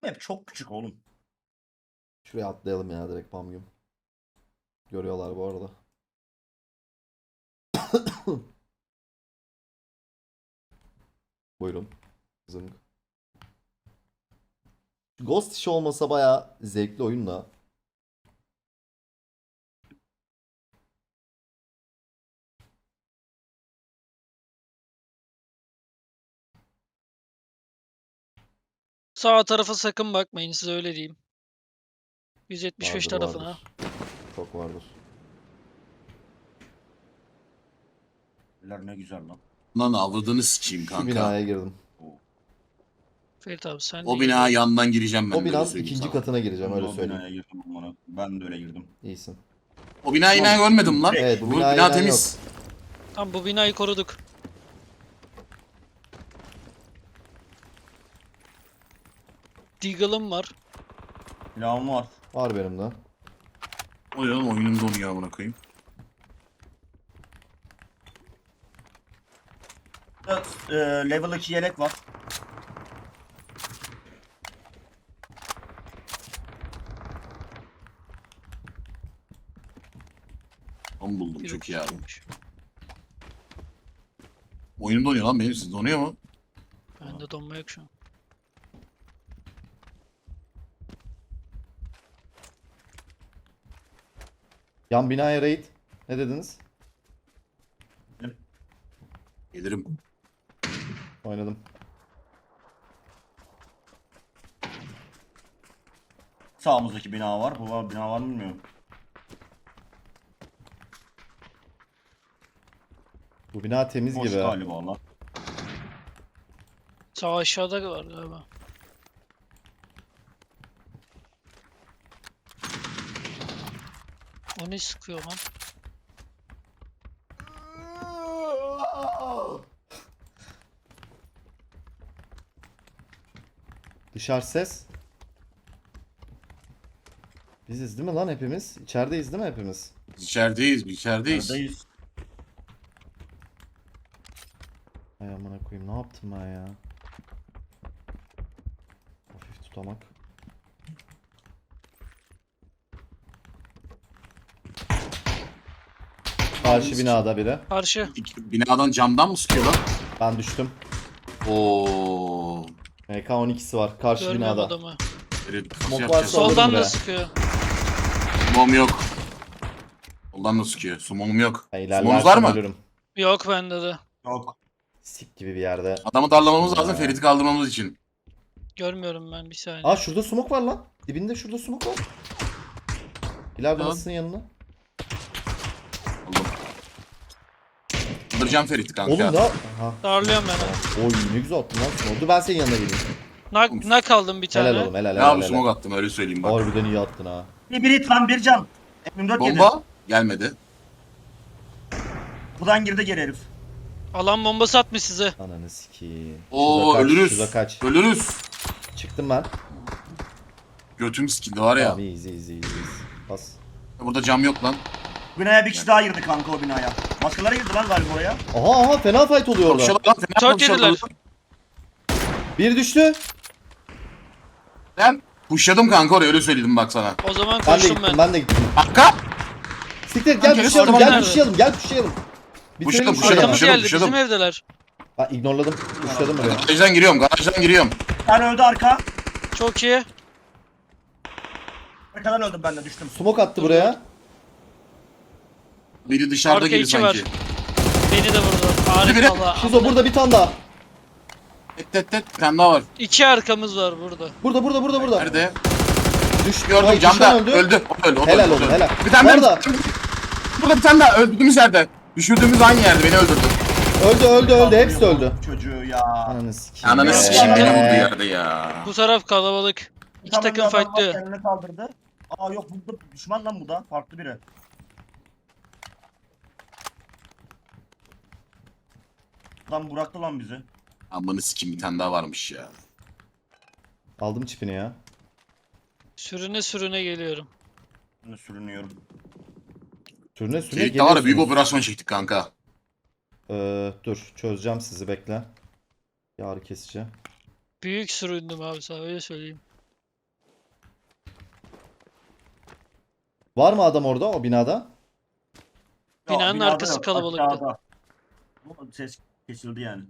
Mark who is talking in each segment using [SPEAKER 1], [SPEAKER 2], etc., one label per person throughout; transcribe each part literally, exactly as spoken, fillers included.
[SPEAKER 1] Map çok küçük oğlum.
[SPEAKER 2] Şuraya atlayalım ya direkt Pamgüm. Görüyorlar bu arada. Buyurun. Zınk. Ghost işi olmasa bayağı zevkli oyun da.
[SPEAKER 3] Sağ tarafa sakın bakmayın, size öyle diyeyim. yüz yetmiş beş
[SPEAKER 2] Vardır
[SPEAKER 3] tarafına.
[SPEAKER 2] vardır. Çok vardır.
[SPEAKER 1] Eller ne güzel lan.
[SPEAKER 4] Lan avradını sikeyim
[SPEAKER 2] Şu
[SPEAKER 4] kanka.
[SPEAKER 2] binaya girdim.
[SPEAKER 3] Ferit abi sen
[SPEAKER 4] O
[SPEAKER 3] de
[SPEAKER 4] bina
[SPEAKER 3] gel.
[SPEAKER 4] yandan gireceğim ben
[SPEAKER 2] O
[SPEAKER 4] de öyle
[SPEAKER 2] binanın
[SPEAKER 4] söyleyeyim
[SPEAKER 2] ikinci
[SPEAKER 4] sana.
[SPEAKER 2] katına gireceğim
[SPEAKER 1] Ben de
[SPEAKER 2] öyle
[SPEAKER 1] o
[SPEAKER 2] söyleyeyim.
[SPEAKER 1] binaya girdim bana. Ben de öyle girdim.
[SPEAKER 2] İyisin.
[SPEAKER 4] O binayı yine görmedim lan.
[SPEAKER 2] Evet, bu
[SPEAKER 4] bu
[SPEAKER 2] binaya
[SPEAKER 4] bina
[SPEAKER 2] inen
[SPEAKER 4] temiz.
[SPEAKER 3] Tamam, bu binayı koruduk. Deagle'ım var.
[SPEAKER 1] Silahım var.
[SPEAKER 2] Var benim de.
[SPEAKER 4] O ya oyunun donuyor amına koyayım.
[SPEAKER 1] Evet, e, level iki yelek var.
[SPEAKER 4] Onu buldum
[SPEAKER 3] Bir
[SPEAKER 4] çok iyi abi.
[SPEAKER 3] dokuzmuş.
[SPEAKER 4] Oyunum donuyor lan benim, siz donuyor mu?
[SPEAKER 3] Bende donma yok şu an.
[SPEAKER 2] Yan binaya raid. Ne dediniz?
[SPEAKER 4] Gelirim.
[SPEAKER 2] Oynadım.
[SPEAKER 1] Sağımızdaki bina var. Bu var, bina var mı bilmiyorum.
[SPEAKER 2] Bu bina temiz
[SPEAKER 1] Boş
[SPEAKER 2] gibi.
[SPEAKER 1] galiba lan.
[SPEAKER 3] Sağ aşağıda var galiba. O ne sıkıyor lan?
[SPEAKER 2] Dışarı ses. Biziz değil mi lan hepimiz? İçerideyiz değil mi hepimiz?
[SPEAKER 4] Biz içerideyiz, biz içerideyiz.
[SPEAKER 1] Neredeyiz?
[SPEAKER 2] Ay amına koyayım ne yaptım ben ya? Hafif tutamak. Karşı binada biri.
[SPEAKER 3] Karşı.
[SPEAKER 4] İki- Binadan camdan mı sıkıyor lan?
[SPEAKER 2] Ben düştüm.
[SPEAKER 4] Oo.
[SPEAKER 2] M K on ikisi var karşı
[SPEAKER 3] Görmüyorum
[SPEAKER 2] binada.
[SPEAKER 3] adamı.
[SPEAKER 4] Evet, nasıl
[SPEAKER 2] Smoke
[SPEAKER 4] yapacağız?
[SPEAKER 2] varsa alırım
[SPEAKER 3] Soldan
[SPEAKER 2] buraya.
[SPEAKER 3] da sıkıyor.
[SPEAKER 4] Sumom yok. Soldan da sıkıyor. Sumomum yok.
[SPEAKER 2] Ben
[SPEAKER 4] Sumonuz var
[SPEAKER 2] ilerlersem
[SPEAKER 4] mı?
[SPEAKER 2] ölürüm.
[SPEAKER 3] Yok bende de.
[SPEAKER 1] Yok.
[SPEAKER 2] Sik gibi bir yerde.
[SPEAKER 4] Adamı darlamamız
[SPEAKER 2] Ya.
[SPEAKER 4] lazım Ferit'i kaldırmamız için.
[SPEAKER 3] Görmüyorum ben, bir saniye.
[SPEAKER 2] Aa şurada smoke var lan. Dibinde şurada smoke var. İleride
[SPEAKER 4] Tamam.
[SPEAKER 2] nasılsın yanına?
[SPEAKER 4] Oğlum. Kaldıracağım Ferit'i kanka.
[SPEAKER 2] Oğlum ne? Aha.
[SPEAKER 3] Darlıyorum ben.
[SPEAKER 2] Oy ne güzel attın lan smoke. Dur ben senin yanına geleyim.
[SPEAKER 3] Nak, nak aldım bir tane.
[SPEAKER 2] Helal oğlum helal
[SPEAKER 4] Ne
[SPEAKER 2] helal
[SPEAKER 4] abi
[SPEAKER 2] helal.
[SPEAKER 4] smoke attım öyle söyleyeyim bak.
[SPEAKER 2] Harbiden iyi attın ha.
[SPEAKER 1] Bir biri tam bir can. M dört yedi.
[SPEAKER 4] Bomba gelmedi.
[SPEAKER 1] Buradan girdi geri herif.
[SPEAKER 3] Alan bombası atmış size.
[SPEAKER 2] Ananı sikeyim.
[SPEAKER 4] Oo
[SPEAKER 2] Şurada kaç,
[SPEAKER 4] ölürüz.
[SPEAKER 2] Şurada kaç.
[SPEAKER 4] Ölürüz.
[SPEAKER 2] Çıktım ben.
[SPEAKER 4] Götüm sikildi var ya.
[SPEAKER 2] Tamam iyiyiz iyiyiz iyiyiz. iyiyiz. Bas.
[SPEAKER 4] Burada cam yok lan.
[SPEAKER 1] Binaya bir kişi daha girdi kanka o binaya. Başkaları girdi lan galiba oraya.
[SPEAKER 2] Aha aha fena fight oluyor orada.
[SPEAKER 4] Konuşalım lan. Fena
[SPEAKER 3] Çok
[SPEAKER 4] konuşalım.
[SPEAKER 3] yediler.
[SPEAKER 2] Bir düştü.
[SPEAKER 4] Ben pushladım kanka oraya öyle söyledim bak sana.
[SPEAKER 3] O zaman
[SPEAKER 2] Ben de
[SPEAKER 3] koştum
[SPEAKER 2] gittim
[SPEAKER 3] ben.
[SPEAKER 2] ben de gittim.
[SPEAKER 4] Kanka.
[SPEAKER 2] Siktir gel
[SPEAKER 4] Kanka,
[SPEAKER 2] pushlayalım
[SPEAKER 3] orman
[SPEAKER 2] gel
[SPEAKER 3] nerede?
[SPEAKER 2] pushlayalım gel pushlayalım. Bitirelim
[SPEAKER 4] Pushlayalım,
[SPEAKER 2] şu
[SPEAKER 4] pushlayalım,
[SPEAKER 2] yana.
[SPEAKER 3] Arkamız
[SPEAKER 4] pushladım,
[SPEAKER 3] geldi,
[SPEAKER 4] pushladım.
[SPEAKER 3] bizim evdeler.
[SPEAKER 2] Ha ignorladım. Pushladım buraya.
[SPEAKER 4] Garajdan giriyorum garajdan giriyorum.
[SPEAKER 1] Bir tane öldü arka.
[SPEAKER 3] Çok iyi.
[SPEAKER 1] Arkadan öldüm ben de düştüm.
[SPEAKER 2] Smoke attı buraya.
[SPEAKER 4] Biri dışarıda
[SPEAKER 3] Arka
[SPEAKER 4] gibi
[SPEAKER 3] içi
[SPEAKER 4] sanki.
[SPEAKER 3] var. Beni de vurdu.
[SPEAKER 4] biri.
[SPEAKER 3] Harika valla.
[SPEAKER 2] Şizo burada bir tane daha.
[SPEAKER 4] Et et et. Bir tane daha var.
[SPEAKER 3] İki arkamız var burada.
[SPEAKER 2] Burada burada burada burada.
[SPEAKER 4] Nerede?
[SPEAKER 2] Düş.
[SPEAKER 4] Gördüm
[SPEAKER 2] Ay,
[SPEAKER 4] camda.
[SPEAKER 2] düşman
[SPEAKER 4] Öldü. Öldü. O da öldü. o da
[SPEAKER 2] Helal
[SPEAKER 4] öldü, o da
[SPEAKER 2] oğlum,
[SPEAKER 4] öldü.
[SPEAKER 2] helal.
[SPEAKER 4] Bir tane daha.
[SPEAKER 2] Orada.
[SPEAKER 4] Burada bir tane daha. Öldürdüğümüz yerde. Düşürdüğümüz aynı yerde. Beni öldürdü.
[SPEAKER 2] Öldü öldü öldü hepsi de öldü.
[SPEAKER 1] Çocuğu ya.
[SPEAKER 2] Ananı sikeyim.
[SPEAKER 4] Ananı
[SPEAKER 3] Ee.
[SPEAKER 4] sikeyim beni vurdu yerde ya.
[SPEAKER 3] Bu taraf kalabalık. İki
[SPEAKER 1] Tamam,
[SPEAKER 3] takım
[SPEAKER 1] bir adam var,
[SPEAKER 3] fightlıyor.
[SPEAKER 1] Kendini kaldırdı. Aa yok bu da düşman lan bu da. Farklı biri. Lan bıraktı lan bizi.
[SPEAKER 4] Amını sikeyim bir tane daha varmış ya.
[SPEAKER 2] Aldım çipini ya.
[SPEAKER 3] Sürüne sürüne geliyorum.
[SPEAKER 1] Ben de sürünüyorum.
[SPEAKER 2] Sürüne sürüne
[SPEAKER 4] Ferit'le var ya büyük
[SPEAKER 2] geliyorsunuz.
[SPEAKER 4] operasyon çektik kanka.
[SPEAKER 2] Ee, dur çözeceğim sizi bekle. Yağrı kesici.
[SPEAKER 3] Büyük süründüm abi, sana öyle söyleyeyim.
[SPEAKER 2] Var mı adam orada o binada?
[SPEAKER 1] Ya,
[SPEAKER 3] Binanın
[SPEAKER 1] binada
[SPEAKER 3] arkası
[SPEAKER 1] yok,
[SPEAKER 3] kalabalıktı.
[SPEAKER 1] aşağıda. Bu ses kesildi yani.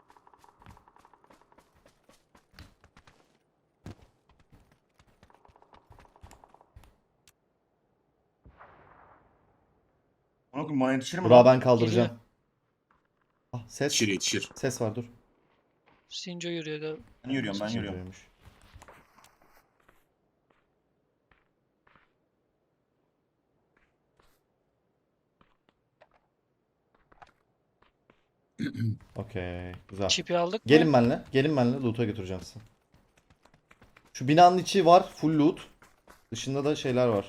[SPEAKER 1] Ona koyayım, bana yetişir mi
[SPEAKER 2] Burak'ı
[SPEAKER 1] lan?
[SPEAKER 2] ben kaldıracağım. Ah, ses.
[SPEAKER 4] Yetişir yetişir.
[SPEAKER 2] Ses var dur.
[SPEAKER 3] Sinco yürüyor galiba.
[SPEAKER 1] Ben yürüyorum ben yürüyorum.
[SPEAKER 2] Sinco'ymuş. Okey. Güzel.
[SPEAKER 3] Çipi aldık mı?
[SPEAKER 2] Gelin benle. Gelin benle. Loot'a götüreceğim sizi. Şu binanın içi var. Full loot. Dışında da şeyler var.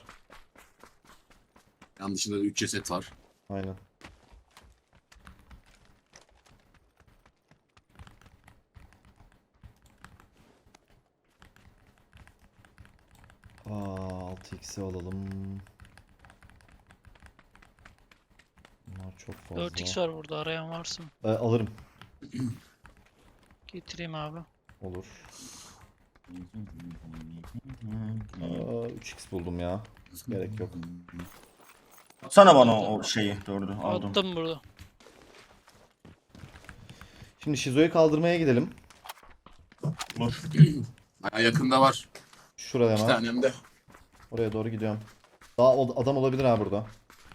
[SPEAKER 4] Yan dışında da üç ceset var.
[SPEAKER 2] Aynen. Aa, altı x'i alalım. Bunlar çok fazla.
[SPEAKER 3] dört x var burada, arayan varsa.
[SPEAKER 2] Ee, alırım.
[SPEAKER 3] Getireyim abi.
[SPEAKER 2] Olur. Aa, üç x buldum ya. Gerek yok.
[SPEAKER 1] Atsana bana o şeyi. Dördü aldım.
[SPEAKER 3] Attım burada.
[SPEAKER 2] Şimdi Şizo'yu kaldırmaya gidelim.
[SPEAKER 1] Olur.
[SPEAKER 4] Baya yakında var.
[SPEAKER 2] Şurada
[SPEAKER 4] İki
[SPEAKER 2] hemen.
[SPEAKER 4] tanem de.
[SPEAKER 2] Oraya doğru gidiyorum. Daha ol- adam olabilir ha burada.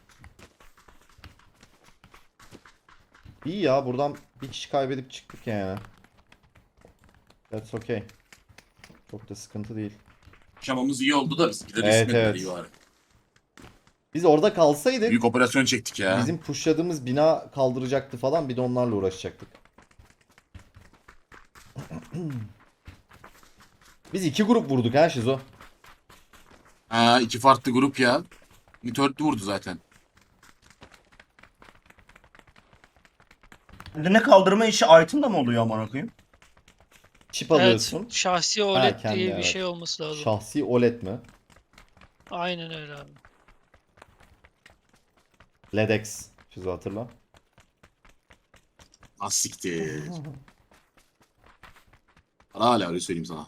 [SPEAKER 2] İyi ya, buradan bir kişi kaybedip çıktık yani. That's okay. Çok da sıkıntı değil.
[SPEAKER 4] Şamamız iyi oldu da biz gideriz.
[SPEAKER 2] Evet,
[SPEAKER 4] İsmet'le
[SPEAKER 2] evet.
[SPEAKER 4] iyi var.
[SPEAKER 2] Biz orada kalsaydık
[SPEAKER 4] Büyük operasyon çektik ya.
[SPEAKER 2] bizim pushladığımız bina kaldıracaktı falan, bir de onlarla uğraşacaktık. Biz iki grup vurduk ha Şizo.
[SPEAKER 4] Ha, iki farklı grup ya. Mitörtlü vurdu zaten.
[SPEAKER 1] Kendine kaldırma işi item da mı oluyor amına koyayım?
[SPEAKER 2] Çip alıyorsun.
[SPEAKER 3] Evet, şahsi O L E D
[SPEAKER 2] kendi,
[SPEAKER 3] diye bir
[SPEAKER 2] evet.
[SPEAKER 3] şey olması lazım.
[SPEAKER 2] Şahsi O L E D mi?
[SPEAKER 3] Aynen öyle abi.
[SPEAKER 2] L E D X. Şizo hatırla.
[SPEAKER 4] Az siktir. Para hala öyle söyleyeyim sana.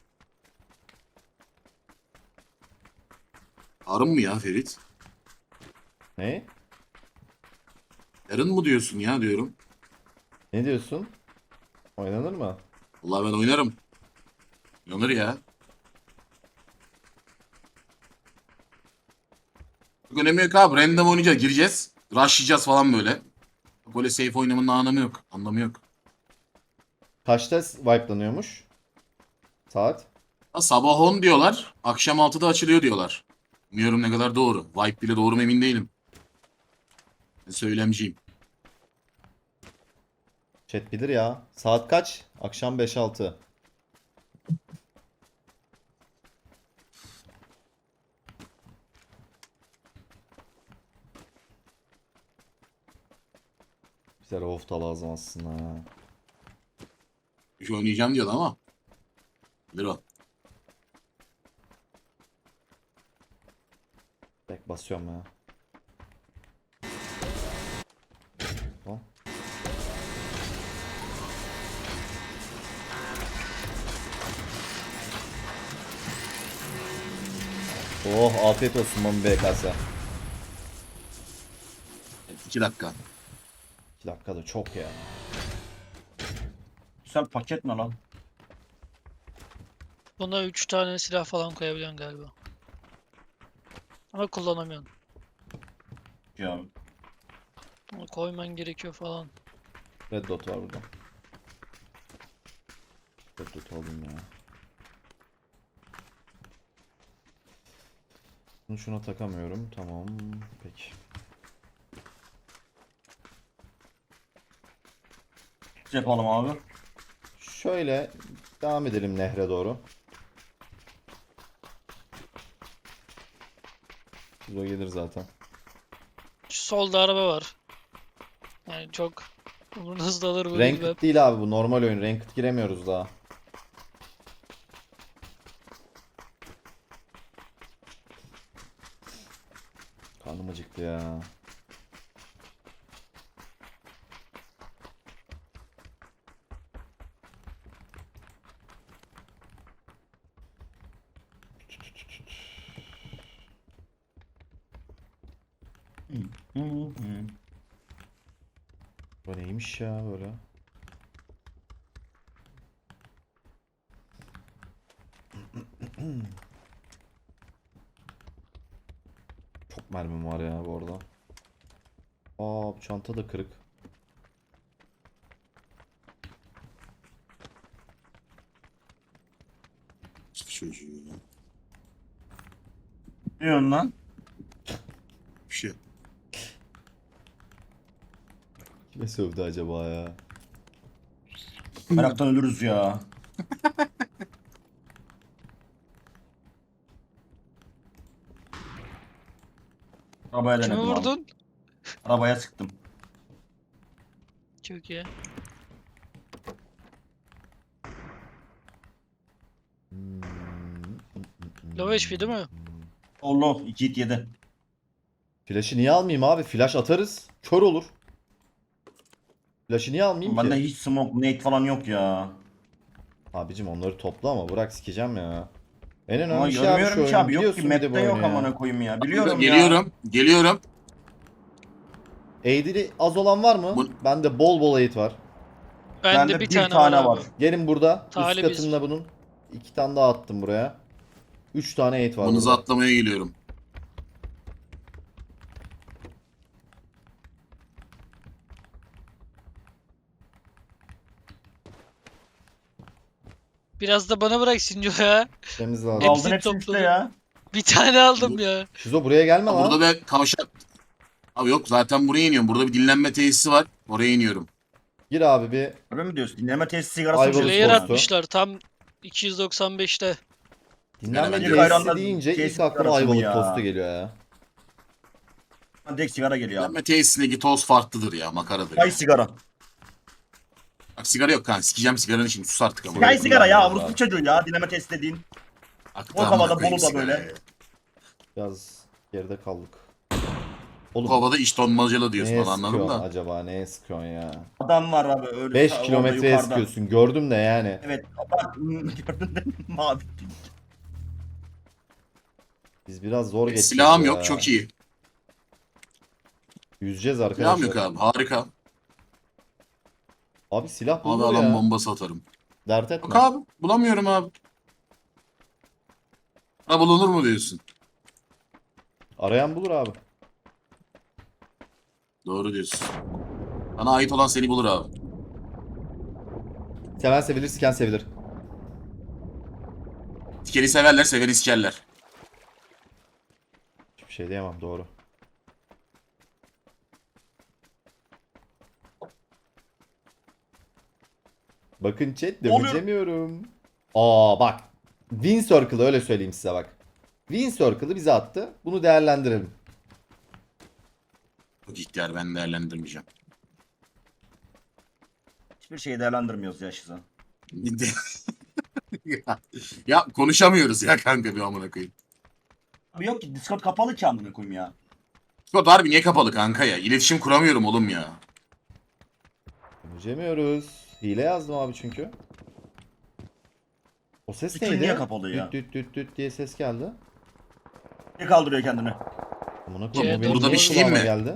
[SPEAKER 4] Arın mı ya Ferit?
[SPEAKER 2] Ne?
[SPEAKER 4] Yarın mı diyorsun ya diyorum.
[SPEAKER 2] Ne diyorsun? Oynanır mı?
[SPEAKER 4] Vallahi ben oynarım. Oynanır ya. Çok önemi yok abi. Random oynayacağız. Gireceğiz. Rushlayacağız falan böyle. Böyle safe oynamanın anlamı yok. Anlamı yok.
[SPEAKER 2] Kaçta wipe'lanıyormuş? Saat?
[SPEAKER 4] Ha, sabah on diyorlar. Akşam altıda açılıyor diyorlar. Bilmiyorum ne kadar doğru. Vibe bile doğru mu emin değilim. Ben söylemciyim.
[SPEAKER 2] Chat bilir ya. Saat kaç? Akşam beş altı. Bize rauf da lazım aslında ha.
[SPEAKER 4] Bir şey oynayacağım diyordu ama. Bilir o.
[SPEAKER 2] Bek basıyorum ya. Tamam. Oh, afiyet olsun Mami B K S.
[SPEAKER 4] Evet, iki dakika.
[SPEAKER 2] iki dakika da çok ya.
[SPEAKER 1] Sen paket ne lan?
[SPEAKER 3] Buna üç tane silah falan koyabiliyorsun galiba. Ama kullanamıyorsun.
[SPEAKER 1] Ya.
[SPEAKER 3] Bunu koyman gerekiyor falan.
[SPEAKER 2] Red dot var burada. Red dot aldım ya. Bunu şuna takamıyorum. Tamam. Peki.
[SPEAKER 1] Ne yapalım abi?
[SPEAKER 2] Şöyle devam edelim nehre doğru. O gelir zaten.
[SPEAKER 3] Şu solda araba var. Yani çok umurunuzda alır bu değil be.
[SPEAKER 2] Ranked değil abi bu, normal oyun. Ranked giremiyoruz daha. Karnım acıktı ya. Bu neymiş ya böyle? Çok mermim var ya bu arada. Aa, bu çanta da kırık.
[SPEAKER 4] Çocuğu ya.
[SPEAKER 1] Ne diyorsun lan?
[SPEAKER 4] Bir şey.
[SPEAKER 2] Kime sövdü acaba ya?
[SPEAKER 1] Meraktan ölürüz ya. Arabaya
[SPEAKER 3] Kimi
[SPEAKER 1] denedim abi.
[SPEAKER 3] vurdun?
[SPEAKER 1] Arabaya sıktım.
[SPEAKER 3] Çok iyi. Low H P değil mi?
[SPEAKER 1] Allah iki hit yedi.
[SPEAKER 2] Flash'ı niye almayayım abi? Flash atarız. Kör olur. Flash'ı niye almayayım
[SPEAKER 1] Bende
[SPEAKER 2] ki?
[SPEAKER 1] hiç smoke, nade falan yok ya.
[SPEAKER 2] Abicim onları topla ama bırak sikeceğim ya. En
[SPEAKER 1] Ama
[SPEAKER 2] önemli şey abi şu
[SPEAKER 1] görmüyorum ki
[SPEAKER 2] oyun.
[SPEAKER 1] abi. Yok ki
[SPEAKER 2] Biliyorsun bir de bu
[SPEAKER 1] map'te yok
[SPEAKER 2] oyunu ya.
[SPEAKER 1] amına koyayım ya. Biliyorum ya.
[SPEAKER 4] Geliyorum. Geliyorum.
[SPEAKER 2] Aid'li az olan var mı?
[SPEAKER 4] Bu-
[SPEAKER 2] Bende bol bol aid var.
[SPEAKER 3] Bende bir tane, var abi.
[SPEAKER 2] Gelin burada.
[SPEAKER 3] Talibiz.
[SPEAKER 2] Üst katında bunun. İki tane daha attım buraya. Üç tane aid var
[SPEAKER 4] Bonuzu
[SPEAKER 2] burada.
[SPEAKER 4] atlamaya geliyorum.
[SPEAKER 3] Biraz da bana bırak Sinco ya.
[SPEAKER 2] Temiz lazım.
[SPEAKER 3] Hepsi
[SPEAKER 1] Aldın hepsini işte
[SPEAKER 3] topladım.
[SPEAKER 1] ya.
[SPEAKER 3] Bir tane aldım ya.
[SPEAKER 2] Şizo buraya gelme
[SPEAKER 4] Ha,
[SPEAKER 2] lan.
[SPEAKER 4] burada bir kavşak. Abi yok zaten buraya iniyorum. Burada bir dinlenme tesisi var. Oraya iniyorum.
[SPEAKER 2] Gir abi bir.
[SPEAKER 1] Öyle mi diyorsun? Dinleme testi sigarası
[SPEAKER 2] Ayvalık
[SPEAKER 1] mı
[SPEAKER 2] Player
[SPEAKER 3] Player
[SPEAKER 1] diyorsun?
[SPEAKER 2] tostu.
[SPEAKER 3] atmışlar tam iki yüz doksan beşte.
[SPEAKER 2] Dinlenme
[SPEAKER 4] Yani
[SPEAKER 1] bence
[SPEAKER 2] tesisi
[SPEAKER 1] ayranla
[SPEAKER 2] deyince
[SPEAKER 1] tesis
[SPEAKER 2] ilk aklıma
[SPEAKER 1] arası mı
[SPEAKER 2] Ayvalık
[SPEAKER 1] ya?
[SPEAKER 2] tostu geliyor ya.
[SPEAKER 1] Direkt sigara geliyor abi.
[SPEAKER 4] Dinlenme tesisindeki toz farklıdır ya. Makaradır.
[SPEAKER 1] Çay
[SPEAKER 4] Ya.
[SPEAKER 1] sigara.
[SPEAKER 4] Bak sigara yok kanka. Sikeceğim sigaranın şimdi. Sus artık ama.
[SPEAKER 1] Çay sigara ya.
[SPEAKER 2] kullanmıyoruz
[SPEAKER 1] Avrupa
[SPEAKER 2] abi.
[SPEAKER 1] çocuğu ya. Dinleme testi dediğin.
[SPEAKER 4] Aktı
[SPEAKER 1] O
[SPEAKER 4] amına
[SPEAKER 1] havada,
[SPEAKER 4] koyayım
[SPEAKER 1] Bolu'da
[SPEAKER 4] sigarayı.
[SPEAKER 1] böyle.
[SPEAKER 2] Biraz geride kaldık.
[SPEAKER 4] Bu
[SPEAKER 2] Oğlum
[SPEAKER 4] havada iş donmacalı diyorsun
[SPEAKER 2] neye
[SPEAKER 4] onu anladın
[SPEAKER 2] sıkıyorsun
[SPEAKER 4] da.
[SPEAKER 2] acaba? Neye sıkıyorsun ya?
[SPEAKER 1] Adam var abi öyle.
[SPEAKER 2] beş
[SPEAKER 1] sağ- orada
[SPEAKER 2] kilometreye
[SPEAKER 1] yukarıda.
[SPEAKER 2] sıkıyorsun. Gördüm de yani.
[SPEAKER 1] Evet. Bak gördün değil mi? Mavi.
[SPEAKER 2] Biz biraz zor geçeceğiz
[SPEAKER 4] Silahım
[SPEAKER 2] ya.
[SPEAKER 4] yok. Çok iyi.
[SPEAKER 2] Yüzeceğiz
[SPEAKER 4] Silahım
[SPEAKER 2] arkadaşlar.
[SPEAKER 4] yok abi. Harika.
[SPEAKER 2] Abi silah
[SPEAKER 4] Abi
[SPEAKER 2] bulur
[SPEAKER 4] alan
[SPEAKER 2] ya.
[SPEAKER 4] bombası atarım.
[SPEAKER 2] Dert
[SPEAKER 4] Yok
[SPEAKER 2] etme.
[SPEAKER 4] abi. Bulamıyorum abi. Ha bulunur mu diyorsun?
[SPEAKER 2] Arayan bulur abi.
[SPEAKER 4] Doğru diyorsun. Bana ait olan seni bulur abi.
[SPEAKER 2] Seven sevilir, siken sevilir.
[SPEAKER 4] Tikeri severler, sever iskerler.
[SPEAKER 2] Hiçbir şey diyemem, doğru. Bakın chat
[SPEAKER 1] Oluyor.
[SPEAKER 2] döveceğimiyorum. Aa bak. Win Circle'ı öyle söyleyeyim size bak. Win Circle'ı bize attı. Bunu değerlendirelim.
[SPEAKER 4] Çok ihtiyar ben değerlendirmeyeceğim.
[SPEAKER 1] Hiçbir şeyi değerlendirmiyoruz ya Şizo.
[SPEAKER 4] ya, ya konuşamıyoruz ya kanka bir amına koyayım.
[SPEAKER 1] Abi yok ki Discord kapalı ki amına koyayım ya.
[SPEAKER 4] Discord harbi niye kapalı kanka ya? İletişim kuramıyorum oğlum ya.
[SPEAKER 2] Döveceğimiyoruz. Hile yazdım abi çünkü. O ses
[SPEAKER 1] Bütün
[SPEAKER 2] neydi?
[SPEAKER 1] niye kapalı ya?
[SPEAKER 2] Düt düt düt düt diye ses geldi.
[SPEAKER 1] Ne kaldırıyor kendini?
[SPEAKER 2] Amına koyayım, o
[SPEAKER 3] C'de
[SPEAKER 2] benim
[SPEAKER 4] burada
[SPEAKER 2] niye
[SPEAKER 4] bir şey diyeyim
[SPEAKER 2] kulağıma
[SPEAKER 4] mi?
[SPEAKER 2] Geldi?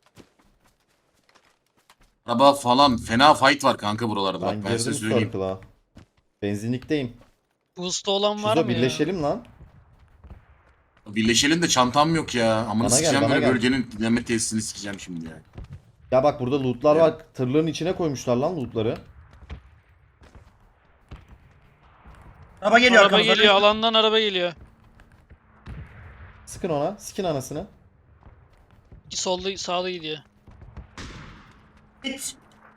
[SPEAKER 4] Araba falan fena fight var kanka buralarda.
[SPEAKER 2] Ben
[SPEAKER 4] Bak ben size
[SPEAKER 2] girdim
[SPEAKER 4] söyleyeyim.
[SPEAKER 2] Circle'a. Benzinlikteyim.
[SPEAKER 3] Boost'ta olan var
[SPEAKER 2] Şuzo
[SPEAKER 3] mı ya?
[SPEAKER 2] birleşelim lan.
[SPEAKER 4] Birleşelim de çantam yok ya. Amına
[SPEAKER 2] Bana gel,
[SPEAKER 4] sikeceğim
[SPEAKER 2] bana
[SPEAKER 4] böyle
[SPEAKER 2] gel.
[SPEAKER 4] bölgenin dinlenme tesisini sikeceğim şimdi ya.
[SPEAKER 2] Ya bak burada lootlar
[SPEAKER 4] Ya.
[SPEAKER 2] var. Tırların içine koymuşlar lan lootları.
[SPEAKER 1] Araba geliyor
[SPEAKER 3] Araba
[SPEAKER 1] arkamızdan.
[SPEAKER 3] geliyor, alandan araba geliyor.
[SPEAKER 2] Sıkın ona. Sikin anasını.
[SPEAKER 3] Solda sağda gidiyor.
[SPEAKER 1] Git.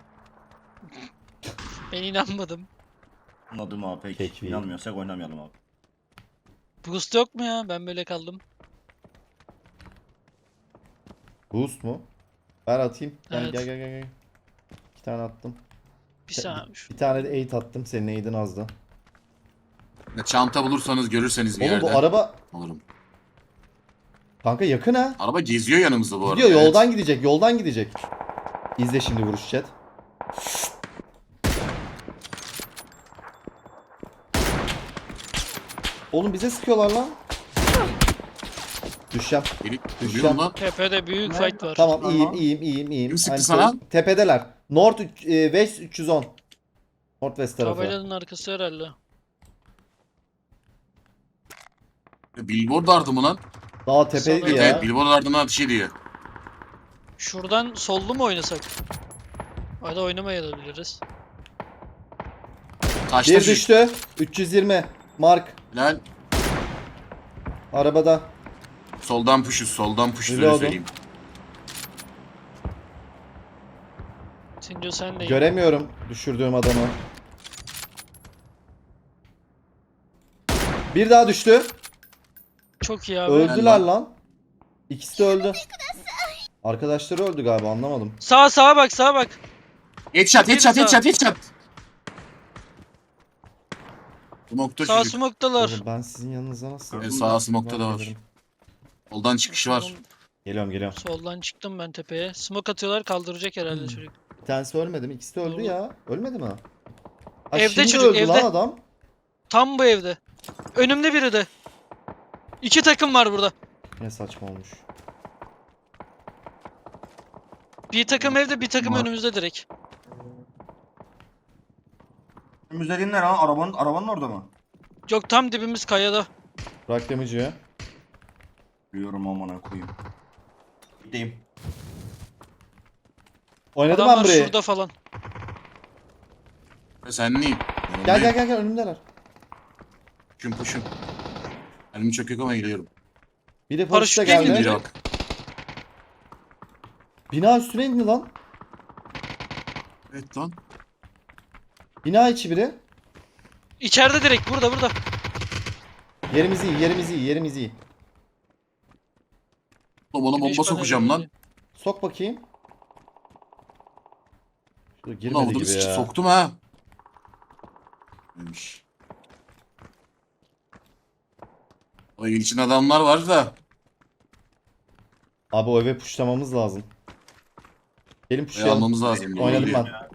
[SPEAKER 3] Ben inanmadım.
[SPEAKER 1] Anladım abi peki.
[SPEAKER 2] Peki.
[SPEAKER 1] İnanmıyorsak oynamayalım abi.
[SPEAKER 3] Boost yok mu ya? Ben böyle kaldım.
[SPEAKER 2] Boost mu? Ver atayım. Gel
[SPEAKER 3] Evet.
[SPEAKER 2] gel gel gel. gel. İki tane attım.
[SPEAKER 3] Bir saniye. Şu-
[SPEAKER 2] Bir tane de eight attım. Senin eight'in azdı.
[SPEAKER 4] Ya çanta bulursanız görürseniz bir
[SPEAKER 2] Oğlum
[SPEAKER 4] yerde.
[SPEAKER 2] bu araba
[SPEAKER 4] Olurum.
[SPEAKER 2] kanka yakın ha.
[SPEAKER 4] Araba geziyor yanımızda bu arada.
[SPEAKER 2] Gidiyor
[SPEAKER 4] evet.
[SPEAKER 2] yoldan gidecek. Yoldan gidecek. İzle şimdi vuruş chat. Oğlum bize sıkıyorlar lan. Düşeceğim.
[SPEAKER 4] Gelip
[SPEAKER 2] Düşeceğim.
[SPEAKER 4] duruyor lan.
[SPEAKER 3] Tepede büyük
[SPEAKER 1] Ne?
[SPEAKER 3] fight var.
[SPEAKER 2] Tamam
[SPEAKER 1] Tamam.
[SPEAKER 2] iyiyim iyiyim iyiyim iyiyim.
[SPEAKER 4] Kim sıktı
[SPEAKER 2] Aynı
[SPEAKER 4] sana?
[SPEAKER 2] şey. Tepedeler. North üç- e, West üç yüz on. Northwest tarafı.
[SPEAKER 3] Tabelanın arkası herhalde.
[SPEAKER 4] Billboard ardı mı lan?
[SPEAKER 2] Daha tepeydi
[SPEAKER 3] Sanırım.
[SPEAKER 2] ya.
[SPEAKER 4] Evet, Billboard ardından ateş ediyor.
[SPEAKER 3] Şuradan sollu mu oynasak? Hadi oynamayabiliriz.
[SPEAKER 4] Taşta
[SPEAKER 2] Bir
[SPEAKER 4] şu.
[SPEAKER 2] düştü. üç yüz yirmi. Mark.
[SPEAKER 4] Helal.
[SPEAKER 2] Arabada.
[SPEAKER 4] Soldan puşuz, soldan puşuz
[SPEAKER 2] Öyle
[SPEAKER 4] öyle
[SPEAKER 2] oldu.
[SPEAKER 4] söyleyeyim.
[SPEAKER 3] Sinco sen de.
[SPEAKER 2] Göremiyorum düşürdüğüm adamı. Bir daha düştü.
[SPEAKER 3] Çok iyi abi.
[SPEAKER 2] Öldüler
[SPEAKER 4] lan.
[SPEAKER 2] lan. İkisi de öldü. Arkadaşları öldü galiba anlamadım.
[SPEAKER 3] Sağa sağa bak sağa bak.
[SPEAKER 4] Headshot, headshot,
[SPEAKER 3] Bir
[SPEAKER 4] headshot, headshot. Smoke'ta
[SPEAKER 3] Sağ
[SPEAKER 4] çocuk.
[SPEAKER 3] smoke'dalar.
[SPEAKER 2] Oğlum ben sizin yanınıza nasıl?
[SPEAKER 4] Evet, sağ smoke'ta da var.
[SPEAKER 2] Gelirim.
[SPEAKER 4] Soldan çıkışı var.
[SPEAKER 2] Geliyorum geliyorum.
[SPEAKER 3] Soldan çıktım ben tepeye. Smoke atıyorlar kaldıracak herhalde
[SPEAKER 2] Hmm.
[SPEAKER 3] çocuk.
[SPEAKER 2] Bir tanesi ölmedi mi? İkisi de öldü
[SPEAKER 3] Doğru.
[SPEAKER 2] ya. Ölmedi mi? Ha,
[SPEAKER 3] Evde
[SPEAKER 2] şimdi
[SPEAKER 3] çocuk,
[SPEAKER 2] öldü
[SPEAKER 3] evde.
[SPEAKER 2] lan adam.
[SPEAKER 3] Tam bu evde. Önümde biri de. İki takım var burada.
[SPEAKER 2] Ne saçma olmuş.
[SPEAKER 3] Bir takım evde bir takım
[SPEAKER 4] Var.
[SPEAKER 3] önümüzde direkt.
[SPEAKER 1] Önümüzde ne lan? Arabanın, arabanın orada mı?
[SPEAKER 3] Yok tam dibimiz kayada.
[SPEAKER 2] Bırak damage'ı.
[SPEAKER 1] Biliyorum amına koyayım. Gideyim.
[SPEAKER 2] Oynadım ben
[SPEAKER 3] Adamlar
[SPEAKER 2] burayı.
[SPEAKER 3] şurada falan.
[SPEAKER 4] Ve sen neyim?
[SPEAKER 2] Gel gel gel gel önümdeler.
[SPEAKER 4] Puşum puşum. Elim çok yok ama geliyorum.
[SPEAKER 2] Biri
[SPEAKER 3] Paraşütle
[SPEAKER 2] paraşütle
[SPEAKER 3] indi
[SPEAKER 2] geldi.
[SPEAKER 4] Biri bak.
[SPEAKER 2] Bina üstüne indi lan.
[SPEAKER 4] Evet lan.
[SPEAKER 2] Bina içi biri.
[SPEAKER 3] İçeride direkt burada burada.
[SPEAKER 2] Yerimiz iyi, yerimiz iyi, yerimiz iyi.
[SPEAKER 4] Oğlum ona
[SPEAKER 3] Güneş
[SPEAKER 4] bomba sokacağım
[SPEAKER 3] paneli
[SPEAKER 4] lan.
[SPEAKER 2] Sok bakayım. Şurada
[SPEAKER 4] Bunu
[SPEAKER 2] girmedi
[SPEAKER 4] avudunu
[SPEAKER 2] gibi
[SPEAKER 4] sıçı
[SPEAKER 2] ya.
[SPEAKER 4] soktum ha. Neymiş. O evin içinde adamlar var da.
[SPEAKER 2] Abi o eve puşlamamız lazım. Gelin
[SPEAKER 4] Şey
[SPEAKER 2] puşlayalım.
[SPEAKER 4] almamız lazım.
[SPEAKER 2] Oynadım
[SPEAKER 4] Geliyor.
[SPEAKER 2] ben.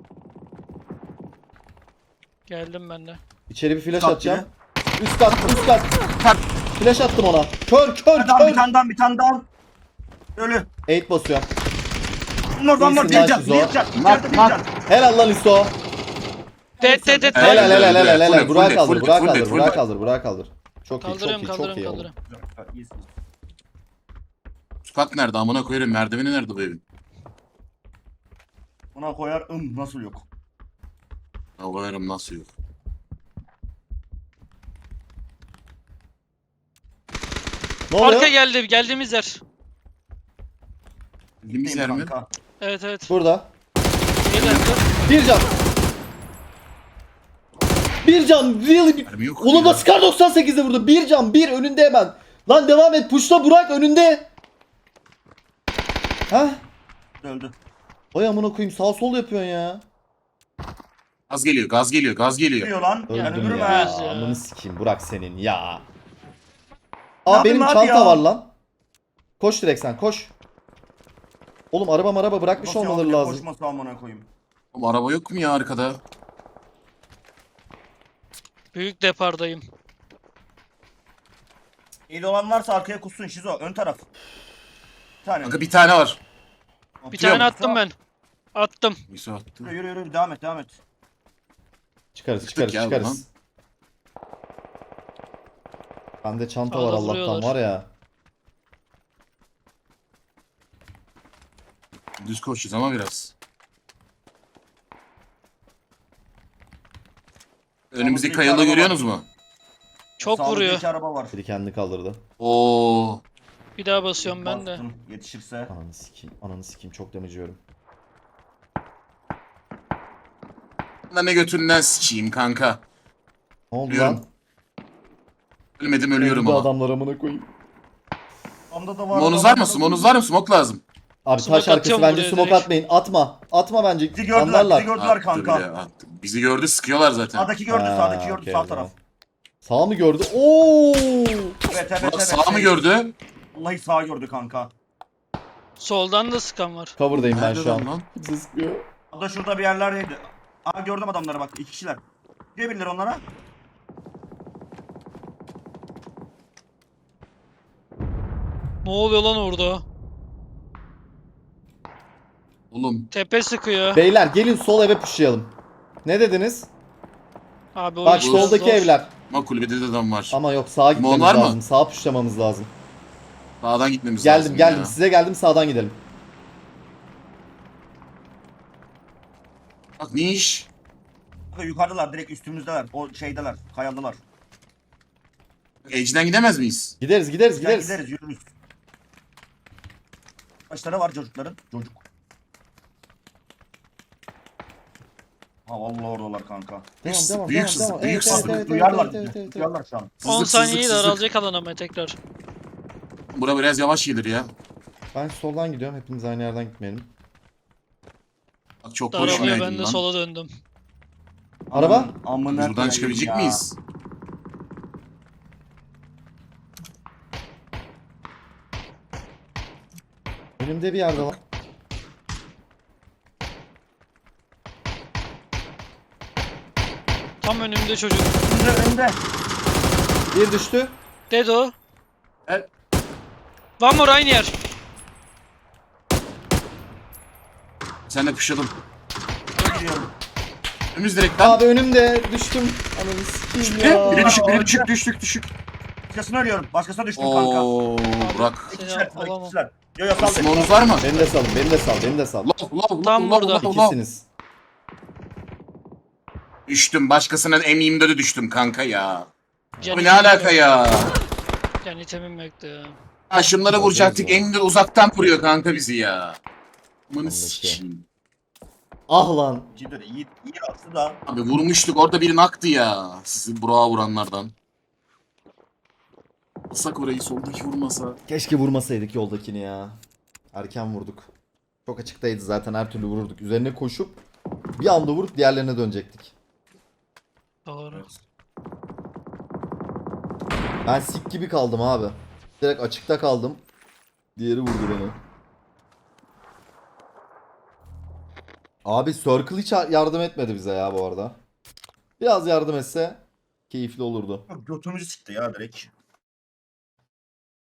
[SPEAKER 3] Geldim ben de.
[SPEAKER 2] İçeri bir flash
[SPEAKER 1] Kat
[SPEAKER 2] atacağım. Üst kat, üst kat. Flash attım ona. Kör, kör,
[SPEAKER 1] Bir tane bir
[SPEAKER 2] kör.
[SPEAKER 1] tane daha bir tane daha. Ölü.
[SPEAKER 2] Eight basıyorum.
[SPEAKER 1] Bunlardan var
[SPEAKER 2] İyisin lan
[SPEAKER 1] bir can.
[SPEAKER 2] Şizo.
[SPEAKER 1] Bir can.
[SPEAKER 4] Nak,
[SPEAKER 1] İçeride bir
[SPEAKER 4] nak.
[SPEAKER 1] can.
[SPEAKER 2] Helal lan İso.
[SPEAKER 3] Dead dead dead.
[SPEAKER 2] Helal helal helal helal.
[SPEAKER 4] Full
[SPEAKER 2] helal.
[SPEAKER 4] it,
[SPEAKER 2] Burak
[SPEAKER 4] full it,
[SPEAKER 2] kaldır,
[SPEAKER 4] full it,
[SPEAKER 2] Burak
[SPEAKER 4] full it,
[SPEAKER 2] kaldır,
[SPEAKER 4] full
[SPEAKER 2] Burak
[SPEAKER 4] it.
[SPEAKER 2] kaldır, Burak kaldır. Çok iyi, çok
[SPEAKER 3] Kaldırıyorum
[SPEAKER 2] iyi, çok
[SPEAKER 3] kaldırıyorum
[SPEAKER 2] iyi oldu.
[SPEAKER 3] kaldırıyorum.
[SPEAKER 1] İyisin.
[SPEAKER 4] Sokak nerede? Amına koyarım. Merdiveni nerede bu evin?
[SPEAKER 1] Buna koyar ım nasıl yok.
[SPEAKER 4] Ya koyarım nasıl yok.
[SPEAKER 2] Ne oluyor?
[SPEAKER 3] Arka geldi geldiğimiz yer.
[SPEAKER 4] Bildiğimiz yer mi?
[SPEAKER 1] Kanka.
[SPEAKER 3] Evet evet.
[SPEAKER 2] Burada.
[SPEAKER 3] Geldi.
[SPEAKER 2] Bir can. Bir can. Really?
[SPEAKER 4] Mermi yok.
[SPEAKER 2] Oğlum
[SPEAKER 4] ya.
[SPEAKER 2] nasıl kar doksan sekizde vurdu? Bir can. Bir önünde hemen. Lan devam et. Puşla Burak önünde. Ha?
[SPEAKER 1] Öldü.
[SPEAKER 2] Oy amına koyayım sağ sol yapıyorsun ya.
[SPEAKER 4] Gaz geliyor, gaz geliyor, gaz geliyor.
[SPEAKER 1] Diyor lan. Yani
[SPEAKER 2] Öldüm
[SPEAKER 1] ölürüm
[SPEAKER 2] ya.
[SPEAKER 1] ha.
[SPEAKER 3] Ölürüz ya.
[SPEAKER 2] Amını sikeyim Burak senin ya.
[SPEAKER 1] Ne
[SPEAKER 2] Aa
[SPEAKER 1] yapayım
[SPEAKER 2] benim
[SPEAKER 1] abi
[SPEAKER 2] çanta
[SPEAKER 1] ya?
[SPEAKER 2] var lan. Koş direkt sen koş. Oğlum araba maraba bırakmış
[SPEAKER 1] Nasıl
[SPEAKER 2] olmaları
[SPEAKER 1] yavruya
[SPEAKER 2] lazım.
[SPEAKER 1] Koşması amına koyayım.
[SPEAKER 4] Oğlum araba yok mu ya arkada?
[SPEAKER 3] Büyük depardayım.
[SPEAKER 1] İyi olan varsa arkaya kussun Şizo. Ön taraf. Bir tane.
[SPEAKER 4] Kanka bir tane var.
[SPEAKER 3] Bir
[SPEAKER 4] Atıyorum.
[SPEAKER 3] tane attım ben. Attım.
[SPEAKER 4] Neyse attı.
[SPEAKER 1] Yürü yürü yürü devam et devam et.
[SPEAKER 2] Çıkarız
[SPEAKER 4] Çıktık
[SPEAKER 2] çıkarız
[SPEAKER 4] ya
[SPEAKER 2] çıkarız. Bende çanta var
[SPEAKER 3] Sağda
[SPEAKER 2] Allah'tan
[SPEAKER 3] vuruyorlar.
[SPEAKER 2] var ya.
[SPEAKER 4] Düz koşacağız ama biraz. Önümüzdeki
[SPEAKER 1] Sağımızda
[SPEAKER 4] kayalığı
[SPEAKER 1] iki araba
[SPEAKER 4] görüyorsunuz mu?
[SPEAKER 3] Çok
[SPEAKER 1] Sağımızda
[SPEAKER 3] vuruyor.
[SPEAKER 1] iki araba var.
[SPEAKER 2] Biri kendini kaldırdı.
[SPEAKER 4] Oo.
[SPEAKER 3] Bir daha basıyorum ben de.
[SPEAKER 1] Bastım, Yetişirse.
[SPEAKER 2] Ananı sikeyim. Ananı sikeyim çok damage yiyorum.
[SPEAKER 4] Lan ne götünden sıçayım kanka.
[SPEAKER 2] Ne oldu
[SPEAKER 4] Ölüyorum.
[SPEAKER 2] lan?
[SPEAKER 4] Ölmedim ölüyorum
[SPEAKER 2] Öldü
[SPEAKER 4] ama.
[SPEAKER 2] adamlar amına koyayım.
[SPEAKER 1] Onda da var.
[SPEAKER 4] Monuz var mı? Monuz var mı? Smoke lazım.
[SPEAKER 2] Abi
[SPEAKER 3] Smoke
[SPEAKER 2] taş arkası
[SPEAKER 3] atıyorum
[SPEAKER 2] bence
[SPEAKER 3] buraya
[SPEAKER 2] smoke
[SPEAKER 3] direkt.
[SPEAKER 2] atmayın. Atma. Atma bence.
[SPEAKER 1] Bizi gördüler,
[SPEAKER 2] Anlarlar.
[SPEAKER 1] bizi gördüler
[SPEAKER 4] Attı
[SPEAKER 1] kanka.
[SPEAKER 4] bile, attı. Bizi gördü sıkıyorlar zaten.
[SPEAKER 1] Sağdaki gördü,
[SPEAKER 2] Ha,
[SPEAKER 1] sağdaki gördü,
[SPEAKER 2] okey,
[SPEAKER 1] sağ
[SPEAKER 2] o zaman.
[SPEAKER 1] taraf.
[SPEAKER 2] Sağ mı gördü? Oo!
[SPEAKER 1] Evet, evet,
[SPEAKER 4] Bak
[SPEAKER 1] evet.
[SPEAKER 4] sağ mı
[SPEAKER 1] şey,
[SPEAKER 4] gördü?
[SPEAKER 1] Vallahi sağ gördü kanka.
[SPEAKER 3] Soldan da sıkan var.
[SPEAKER 2] Cover'dayım ben
[SPEAKER 4] Nerede
[SPEAKER 2] şu
[SPEAKER 4] lan
[SPEAKER 2] an.
[SPEAKER 4] lan?
[SPEAKER 2] Bizi sıkıyor.
[SPEAKER 1] O da şurada bir yerlerdeydi. Aa gördüm adamları bak, iki kişiler. Gidebilirler onlara.
[SPEAKER 3] Ne oluyor lan orada?
[SPEAKER 4] Oğlum
[SPEAKER 3] Tepe sıkıyor.
[SPEAKER 2] Beyler gelin sol eve pushlayalım. Ne dediniz?
[SPEAKER 3] Abi o
[SPEAKER 2] Bak
[SPEAKER 3] iş biraz
[SPEAKER 2] soldaki
[SPEAKER 3] zor.
[SPEAKER 2] evler.
[SPEAKER 4] ama kulübede de adam var.
[SPEAKER 2] Ama yok sağa gitmemiz
[SPEAKER 4] var mı?
[SPEAKER 2] lazım. Sağa pushlamamız lazım.
[SPEAKER 4] Sağdan gitmemiz
[SPEAKER 2] Geldim
[SPEAKER 4] lazım
[SPEAKER 2] geldim.
[SPEAKER 4] ya.
[SPEAKER 2] Size geldim sağdan gidelim.
[SPEAKER 4] Bak ne iş?
[SPEAKER 1] Kanka yukarıdalar, direkt üstümüzdeler. O şeydeler, kayalılar.
[SPEAKER 4] Edge'den gidemez miyiz?
[SPEAKER 2] Gideriz gideriz
[SPEAKER 1] Gel
[SPEAKER 2] gideriz.
[SPEAKER 1] gideriz, yürürüz. Kaçları var çocukların? Çocuk. Ha vallahi oradalar kanka.
[SPEAKER 2] Devam
[SPEAKER 4] Büyük-
[SPEAKER 2] devam
[SPEAKER 4] büyük
[SPEAKER 2] devam
[SPEAKER 4] sızlık,
[SPEAKER 2] devam.
[SPEAKER 4] büyük
[SPEAKER 2] Evet,
[SPEAKER 4] sızlık.
[SPEAKER 2] evet, evet,
[SPEAKER 1] Duyarlar
[SPEAKER 2] evet,
[SPEAKER 1] bizi.
[SPEAKER 2] evet, evet.
[SPEAKER 1] Duyarlar şu an.
[SPEAKER 3] on
[SPEAKER 4] Sızlık,
[SPEAKER 3] saniyeyi
[SPEAKER 4] sızlık, sızlık.
[SPEAKER 3] daralacak alan ama tekrar.
[SPEAKER 4] Bura biraz yavaş gelir ya.
[SPEAKER 2] Ben soldan gidiyorum. Hepimiz aynı yerden gitmeyelim.
[SPEAKER 4] Bak çok
[SPEAKER 3] Daralıyor
[SPEAKER 4] boşuna
[SPEAKER 3] ben
[SPEAKER 4] yedin
[SPEAKER 3] de
[SPEAKER 4] lan.
[SPEAKER 3] sola döndüm.
[SPEAKER 2] Araba?
[SPEAKER 1] Aman- Amına
[SPEAKER 4] Biz buradan
[SPEAKER 1] koyayım
[SPEAKER 4] çıkabilecek
[SPEAKER 1] ya.
[SPEAKER 4] miyiz?
[SPEAKER 2] Önümde bir yerde var.
[SPEAKER 3] Tam önümde çocuk.
[SPEAKER 1] Önde önde.
[SPEAKER 2] Bir düştü.
[SPEAKER 3] Dedo.
[SPEAKER 4] Evet.
[SPEAKER 3] One more aynı yer.
[SPEAKER 4] Sen de kuşadın.
[SPEAKER 1] Gidiyorum.
[SPEAKER 4] Önümüz direkt lan.
[SPEAKER 2] Abi önümde düştüm. Ananı sikeyim ya.
[SPEAKER 4] Biri düşük, biri düşük, düştük, düşük.
[SPEAKER 1] Başkasını arıyorum. Başkasına düştüm kanka.
[SPEAKER 4] Oo, Burak.
[SPEAKER 3] Seni
[SPEAKER 1] İkişiler,
[SPEAKER 3] alamam.
[SPEAKER 1] ikişiler. Yo yo sal beni.
[SPEAKER 4] Smoke'unuz var mı?
[SPEAKER 2] Beni de salın, beni de sal, beni de sal.
[SPEAKER 4] Lov, lov, lov,
[SPEAKER 3] Tam
[SPEAKER 4] lov,
[SPEAKER 3] burada.
[SPEAKER 4] lov, lov.
[SPEAKER 2] İkisiniz.
[SPEAKER 4] Düştüm. Başkasının M yirmi dört'e düştüm kanka ya.
[SPEAKER 3] Can
[SPEAKER 4] Abi ne alaka ya?
[SPEAKER 3] Yani itemim yoktu ya.
[SPEAKER 4] Ha şunları vuracaktık. M yirmi dört uzaktan vuruyor kanka bizi ya. Amanı
[SPEAKER 2] Anladım.
[SPEAKER 4] sikeyim.
[SPEAKER 2] Ah lan.
[SPEAKER 1] Cidden iyi, iyi aslında.
[SPEAKER 4] Abi vurmuştuk. Orada biri naktı ya. Sizi Burak'a vuranlardan. Alsak orayı soldaki vurmasa.
[SPEAKER 2] Keşke vurmasaydık yoldakini ya. Erken vurduk. Çok açıktaydı zaten, her türlü vururduk. Üzerine koşup bir anda vurup diğerlerine dönecektik.
[SPEAKER 3] Doğru.
[SPEAKER 2] Ben sik gibi kaldım abi. Direkt açıkta kaldım. Diğeri vurdu beni. Abi Circle hiç yardım etmedi bize ya bu arada. Biraz yardım etse keyifli olurdu.
[SPEAKER 1] Götümüzü sikti ya direkt.